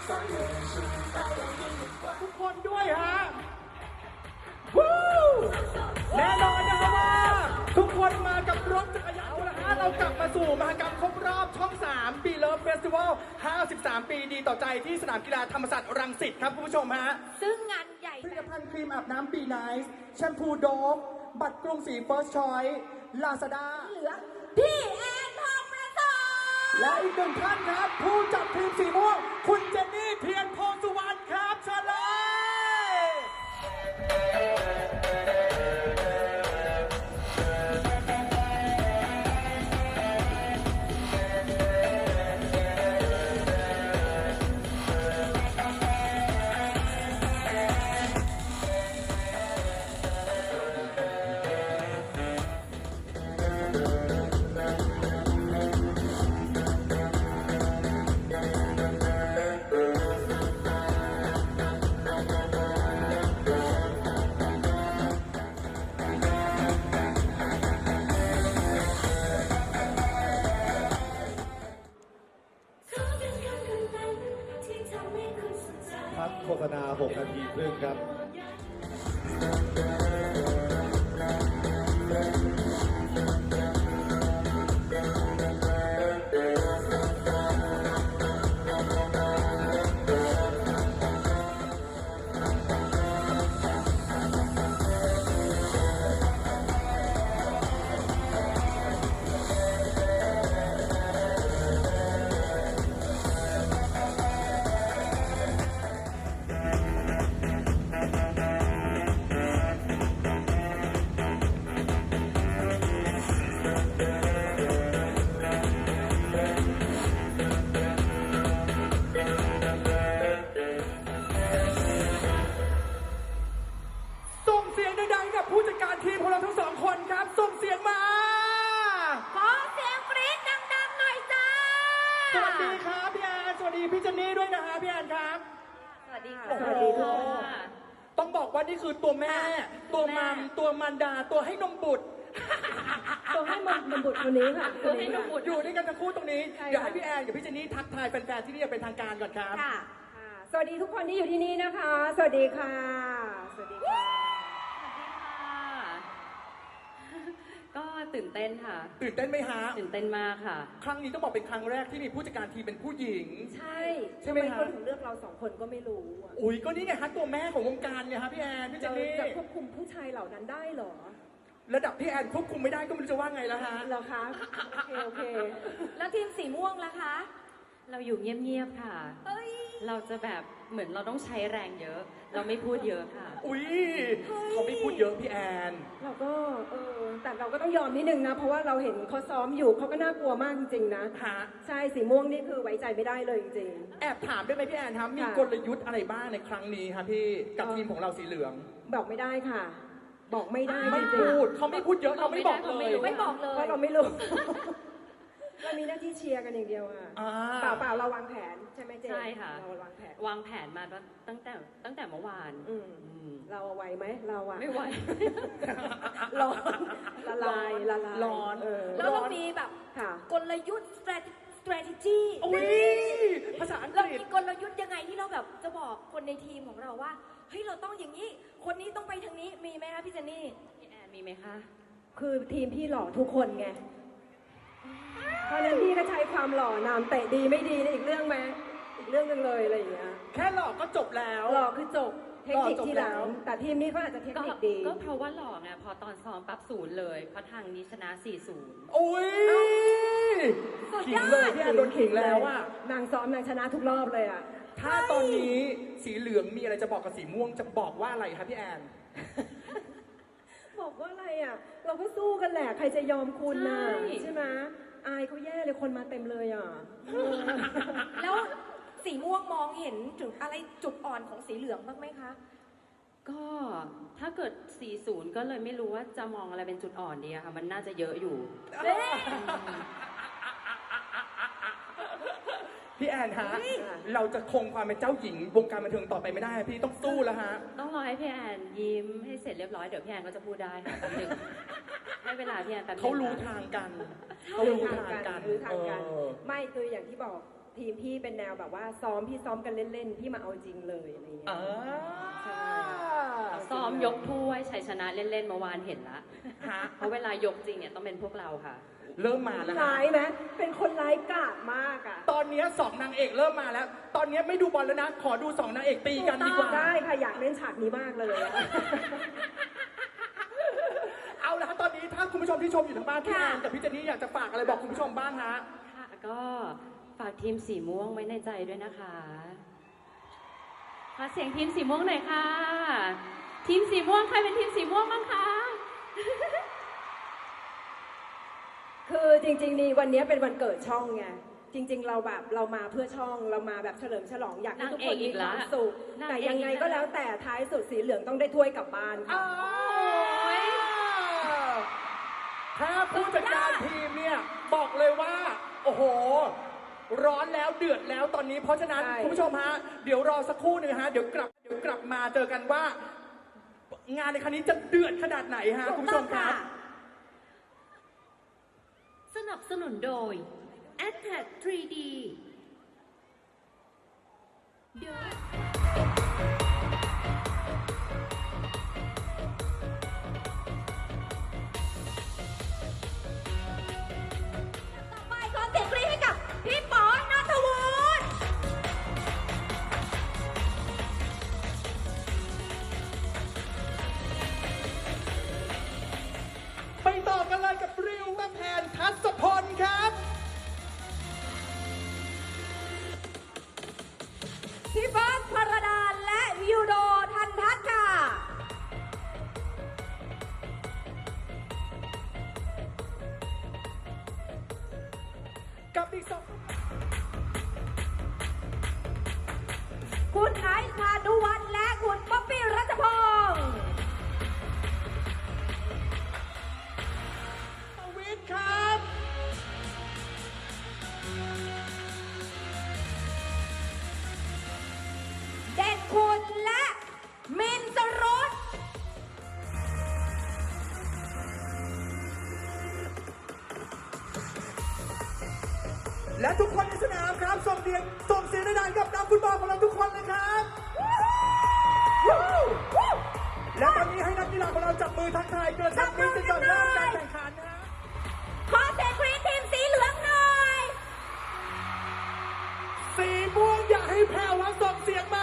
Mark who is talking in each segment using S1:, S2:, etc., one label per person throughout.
S1: ทุกคนด้วยฮะวู้แน่นอนนะครับว่าทุกคนมากับรถจักรยานนะฮะเรากลับมาสู่มหกรรมครบรอบช่อง 3 ปีเลิฟเฟสติวัล 53 ปีดีต่อใจที่สนามกีฬาธรรมศาสตร์รังสิตครับคุณผู้ชมฮะ
S2: ซึ่งงานใหญ่
S1: ผลิตภัณฑ์ครีมอาบน้ำปีไนซ์แชมพูโดฟบัตรกรุงศรีเฟิร์สชอยส์ลาซาด้า
S2: เหลือพี่แอนทองประเสริฐ
S1: และอีกหนึ่งท่านครับ ผู้จัดทีมสีม่วงคุณเจนนี่เทียนโพสุวรรณครับเชิญเลย
S3: พักโฆษณา 6 นาทีครึ่งครับ
S1: ส่งเสียงดังๆกับผู้จัดการทีมของเราทั้งสองคนครับ ส่งเสียงมา
S2: ขอเสียงกรี๊ดดังๆหน่อยจ้า
S1: สวัสดีครับพี่แอนสวัสดีพี่เจนนี่ด้วยนะฮะพี่แอนครับ
S2: สวัสดีค่ะ
S1: โอ้โหต้องบอกว่านี่คือตัวแม่ ตัวมัมตัวมันดาตัวให้นมบุตร
S4: ตัวให้มันบุตรคนนี้ค่ะ
S2: ตัวให้นมบุตร
S1: อยู่ด้วยกันทั้งคู่ตรงนี้
S4: ใช่ค่ะ
S1: เดี๋ยวให้พี่แอนกับพี่เจนนี่ทักทายแฟนๆที่นี่อย่างเป็นทางการก่อนครับ
S2: ค่ะ
S4: ค่ะสวัสดีทุกคนที่อยู่ที่นี่นะคะ สวัสดีค่ะ สวัสดีค่ะ
S5: ก็ตื่นเต้นค่ะ
S1: ตื่นเต้นไหมฮะ
S5: ตื่นเต้นมากค่ะ
S1: ครั้งนี้ต้องบอกเป็นครั้งแรกที่มีผู้จัดการทีมเป็นผู้หญิง
S4: ใช่
S1: ใช่ไหม
S4: ทำ
S1: คะ
S4: คนถึงเลือกเราสองคนก็ไม่รู้อะ
S1: อุ้ยก็นี่ไงฮะตัวแม่ของวงการเนี่ยฮะพี่แอนพี่เจ
S4: จะ
S1: นนี่
S4: จะควบคุมผู้ชายเหล่านั้นได้เหรอ
S1: ระดับพี่แอนควบคุมไม่ได้ก็ไม่รู้จะว่าไงแล้วฮะ
S4: เหรอคะ โอเค
S2: แล้วทีมสีม่วงล่ะคะ
S5: เราอยู่เงียบๆค่ะ
S2: เอ้ย
S5: เราจะแบบเหมือนเราต้องใช้แรงเยอะ เราไม่พูดเยอะค่ะ
S1: อุ้ยเขาไม่พูดเยอะพี่แอน
S4: เราก็แต่เราก็ต้องยอมนิดนึงนะ เพราะว่าเราเห็นเขาซ้อมอยู่เขาก็น่ากลัวมากจริงๆนะ
S1: ฮะ
S4: ใช่ สีม่วงนี่คือไว้ใจไม่ได้เลยจริง
S1: แอบถามได้ไหมพี่แอนครับมี
S4: ค่ะ
S1: กลยุทธ์อะไรบ้างในครั้งนี้ครับพี่กับทีมของเราสีเหลือง
S4: ๆ บอกไม่ได้ค่ะ บอกไม่ได้
S1: ไม่
S4: จริง
S1: พูดเขาไม่พูดเยอะเราไม่บอกเลย
S2: ไม่บอกเล
S4: ๆเพ
S2: ย
S4: ราะเราไม่รู้ เรามีหน้าที่เชียร์กันอย่างเดียวค่ะ
S1: อ่า
S4: เปล่าเราวางแผนใช่ไหมเจน
S5: ใช่ค่ะ
S4: เราวางแผน
S5: วางแผนมาตั้งแต่เมื่อวาน
S4: อืม
S5: อืม
S4: เราเอาไหวไหมเราอะ
S5: ไม่ไหว
S4: ร้อนละลายละลาย
S1: ร้อน
S2: แล้วเรามีแบบ
S4: ค่ะ
S2: กลยุทธ์ strategy
S1: อุ้ยภาษาอังก
S2: เรา
S1: ฤษ
S2: มีกลยุทธ์ยังไงที่เราแบบจะบอกคนในทีมของเราว่าเฮ้ยเราต้องอย่างนี้ คนนี้ต้องไปทางนี้มีไหมคะพี่เจนนี่
S5: พี่แอนมีไหมคะ
S4: คือทีมพี่หล่อทุกคนไง เพราะฉะนั้นพี่ก็ใช้ความหล่อนามเตะดีไม่ดีนี่อีกเรื่องไหมอีกเรื่องหนึงเลยอะไรอย่างเงี้ย
S1: แค่หลอกก็จบแล้ว
S4: หล่อคือจบ เทคนิค
S1: หล่อจบ
S4: ที่หลั
S1: แล้
S4: ง
S1: ว
S4: แต่ทีมนี้เขาอาจจะเทค
S5: ก็
S4: นิคดี
S5: ก็เพราะว่าหล่อไงพอตอนซ้อมปั๊บ0เลย เพราะทางนี้ชนะ 4-0
S1: อุ้ยขิงเลยพี่แอนโดนขิงแล้วอะ
S4: นางซ้อมนางชนะทุกรอบเลยอะ
S1: ถ้าตอนนี้สีเหลืองมีอะไรจะบอกกับสีม่วงจะบอกว่าอะไรครับพี่แอน
S4: บอกว่าอะไรอะเราก็สู้กันแหละ ใครจะยอมคุณน่ะ
S5: ใช่
S4: ใช่ไหมอายเขาแย่เลยคนมาเต็มเลยอะเออ
S2: แล้วสีม่วงมองเห็นถึงอะไรจุดอ่อนของสีเหลืองบ้างไหมคะ
S5: ก็ถ้าเกิด 4-0 ก็เลยไม่รู้ว่าจะมองอะไรเป็นจุดอ่อนดีอะค่ะ มันน่าจะเยอะอยู่
S1: พี่แอนฮะ เราจะคงความเป็นเจ้าหญิงวงการบันเทิงต่อไปไม่ได้พี่ต้องสู้แล้วฮะ
S5: ต้องรอให้พี่แอนยิ้มให้เสร็จเรียบร้อยเดี๋ยวพี่แอนก็จะพูดได้ค่ะแป๊บนึงให้เวลาพี่แอนแป๊บนึง
S1: เขารู้
S5: ค่ะ
S1: ทางกัน
S4: รู้ทางกันรู้ทางกัน
S1: เออ
S4: ไม่คืออย่างที่บอกทีมพี่เป็นแนวแบบว่าพี่ซ้อมกันเล่นๆพี่มาเอาจริงเลยอะไรอย่างเงี้ย
S1: อ่า
S4: ใช่
S5: ซ้อมยกถ้วยชัยชนะเล่นๆเมื่อวานเห็นละ
S1: ฮะ
S5: เพราะเวลายกจริงเนี่ยต้องเป็นพวกเราค่ะ
S1: เริ่มมาแล้วฮะ
S4: ร้ายไหมเป็นคนร้ายกาจมากอ่ะ
S1: ตอนนี้สองนางเอกเริ่มมาแล้ว ตอนนี้ไม่ดูบอลแล้วนะ ขอดูสองนางเอกตีกันดีกว่า
S4: ได้ค่ะอยากเล่นฉากนี้มากเลยอะ
S1: เอาละฮะตอนนี้ถ้าคุณผู้ชมที่ชมอยู่ทางบ้านพี่
S2: ค่ะ
S1: แอนกับพี่เจนนี่อยากจะฝากอะไรบอกคุณผู้ชมบ้างฮะ
S5: ค่ะก็ฝากทีมสีม่วงไว้ในใจด้วยนะคะขอเสียงทีมสีม่วงหน่อยค่ะ ทีมสีม่วงใครเป็นทีมสีม่วงบ้างคะ
S4: คือจริงๆนี่วันนี้เป็นวันเกิดช่องไงจริง ๆ เราแบบเรามาเพื่อช่องเรามาแบบเฉลิมฉลองอยากให้ทุกคนมีความสุข
S5: นาง
S4: แต่
S5: เอกอีกแล้ว
S4: ยังไงก็แล้วแต่ท้ายสุดสีเหลืองต้องได้ถ้วยกลับบ้านค่ะ
S1: ถ้าผู้จัดการทีมเนี่ยบอกเลยว่า โอ้โห ร้อนแล้วเดือดแล้วตอนนี้เพราะฉะนั้น
S4: ใช่
S1: คุณผู้ชมฮะเดี๋ยวรอสักครู่หนึ่งฮะเดี๋ยวกลับมาเจอกันว่า งานในครั้งนี้จะเดือดขนาดไหนฮะคุณผู้ชมครับ
S6: สนับสนุนโดย a t t a c 3D โดย
S2: ต่อไปขอเสียงกรี๊ดให้กับพี่ป๋อนัทวุฒิ
S1: ไปต่อกันเลยกับริวแม่แพนทัศพลครับ
S2: พี่เบิร์ดพรดาและยูโดทันทัศน์ค่ะ
S1: กับอีกสอง
S2: คุณไอซ์พานุวัฒน์และคุณป๊อปปี้รัชพงศ์
S1: ประวิทย์ครับ
S2: เด่นคุณและมินสรุต
S1: และทุกคนในสนามครับส่งเสียงดังๆกับนักฟุตบอลของเราทุกคนเลยครับและตอนนี้ให้นักกีฬาของเราจับมือทักทายเกินทักมิตรก่อนเริ่มการแข่งขันนะฮะ
S2: ขอเสียงกรี๊ดทีมสีเหลืองหน่อย
S1: สีม่วงอย่าให้แผ่วครับส่งเสียงมา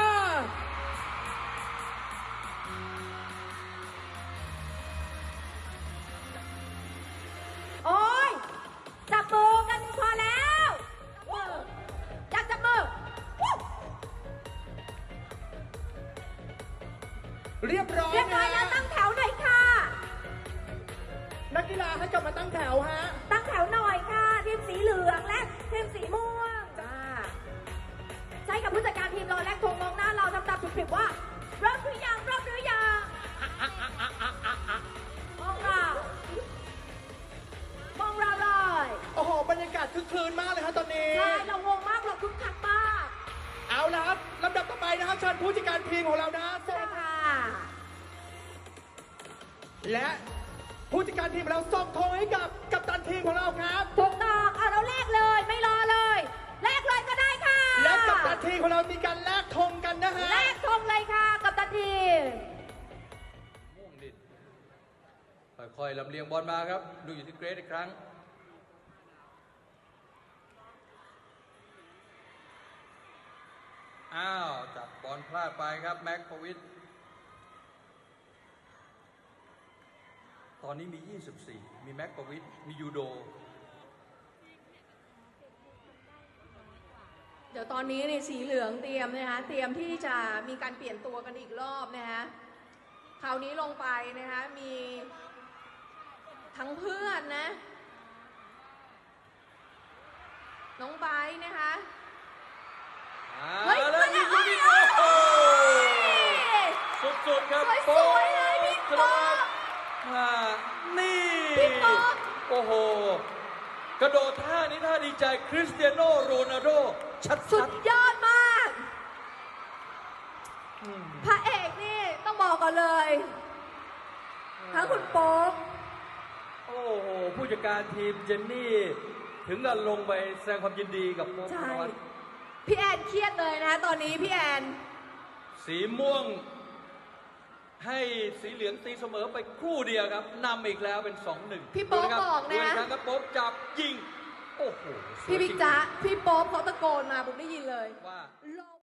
S2: โอ้ยจับมือกันพอแล้วมืออยากจับมือวู้
S1: เรียบร้อย
S2: เรียบร้อยแล้ว
S1: นะ
S2: ตั้งแถวหน่อยค่ะ
S1: นักกีฬาให้กลับมาตั้งแถวฮะ
S2: ตั้งแถวหน่อยค่ะทีมสีเหลืองและทีมสีม่วงจ้าใช่กับผู้จัดการทีมเราและธงมองหน้าเราทำตามสุดๆว่าเริ่มหรือยังมองเราเลย
S1: โอ้โหบรรยากาศคึกคืนมากเลยครับตอนนี้
S2: ใช่เรางงมากเราคึกคักมาก
S1: เอาละครับลำดับต่อไปนะครับเชิญผู้จัดการทีมของเรานะส่
S2: ใช่
S1: ง
S2: ค่ะ
S1: และผู้จัดการทีมของเราส่งธงให้กับกัปตันทีมของเราครับ
S2: ถูกต้องเอาเราแลกเลยไม่รอเลยแลกเลยก็ได้ค่ะ
S1: และกัปตันทีมของเรามีการแลกธงกันนะฮะ
S2: แลกธงเลยค่ะกับตันทีม
S7: ม่วงดินค่อยๆลำเลียงบอลมาครับ ดูอยู่ที่เกรซอีกครั้ง อ้าว จับบอลพลาดไปครับ แม็กพวิทย์ตอนนี้มี 24 มีแม็กพวิทย์มียูโด
S8: เดี๋ยวตอนนี้เนี่ยสีเหลืองเตรียมนะคะเตรียมที่จะมีการเปลี่ยนตัวกันอีกรอบนะคะคราวนี้ลงไปนะคะมีทั้งเพื่อนนะน้องไบร์ทนะคะ เฮ้ย
S7: แล้วยิงลูกนี้
S8: เฮ้ย
S7: โอ้โหสุดๆครับ
S8: สวยๆเลยพี่
S7: กระ
S8: ป๊อ
S7: โดด
S8: ป
S7: มานี่
S8: พี่ป๊อป
S7: โอ้โห กระโดดท่านี้ท่าดีใจคริสเตียโนโรนัลโดชั
S8: สุ
S7: ด
S8: ดยอดมาก พระเอกนี่ต้องบอกก่อนเลย ทั้งคุณโป๊ป
S7: ๆโอ้โห ผู้จัดการทีมเจนนี่ถึงกับลงไปแสดงความยินดีกับโป๊ปธ
S8: ใช่
S7: นวัฒน์
S8: พี่แอนเครียดเลยนะคะตอนนี้พี่แอน
S7: สีม่วง ให้สีเหลืองตีเสมอไปครู่เดียวครับนำอีกแล้วเป็น 2-1
S8: พี่โป๊ป
S7: ดู
S8: บอก
S7: ดู
S8: นะ
S7: อีกครั้งครับโป๊ปจับยิง โอ้โหสวย
S8: พี่บิ๊ก
S7: จริงๆ
S8: จ๊ะพี่โป๊ปเขาตะโกนมาผมได้ยินเลย
S7: ว่า